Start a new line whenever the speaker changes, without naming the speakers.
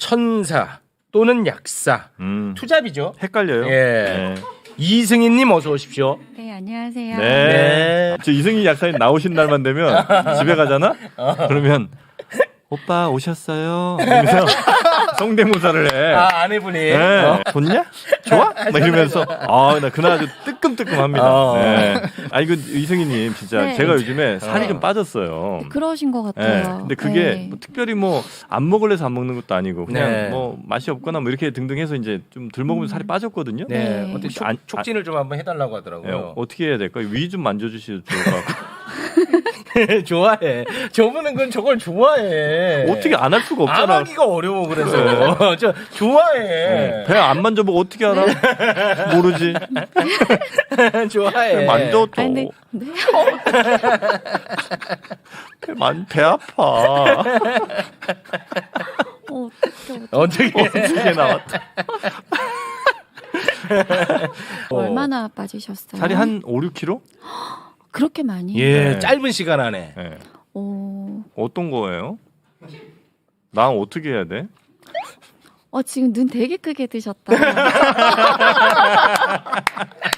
천사 또는 약사, 투잡이죠.
헷갈려요.
예.
네.
이승희님 어서 오십시오.
네, 안녕하세요.
네.
저 이승희 약사님 나오신 날만 되면 집에 가잖아? 그러면 오빠 오셨어요? 이러면서 성대모사를 해.
아, 아내분이.
네. 좋냐? 좋아? 막 이러면서 나 그날 아주 뜨끔뜨끔합니다. 네. 이거 이승희님 진짜
네.
제가 요즘에 살이 좀 빠졌어요.
그러신 것
네.
같아요.
근데 그게
네.
뭐 특별히 뭐 안 먹을래서 안 먹는 것도 아니고 그냥
네.
뭐 맛이 없거나 뭐 이렇게 등등해서 이제 좀 덜 먹으면 살이 빠졌거든요.
네.
네.
어떻게
안-
촉진을 좀 한번 해달라고
네,
하더라고요.
어떻게 해야 될까요? 위 좀 만져주시면 좋을 것 같고.
좋아해. 저분은 그건 저걸 좋아해.
어떻게 안 할 수가 없잖아.
안 하기가 어려워 그래서. 저 좋아해.
배 안 만져보고 어떻게 알아? 모르지.
좋아해.
만져도.
아니, 네.
배 아파.
어떡해.
어떻게 나왔다.
얼마나 빠지셨어요?
살이 한 5, 6kg?
그렇게 많이?
예,
네.
짧은 시간 안에.
네.
오.
어떤 거예요? 난 어떻게 해야 돼?
지금 눈 되게 크게 뜨셨다.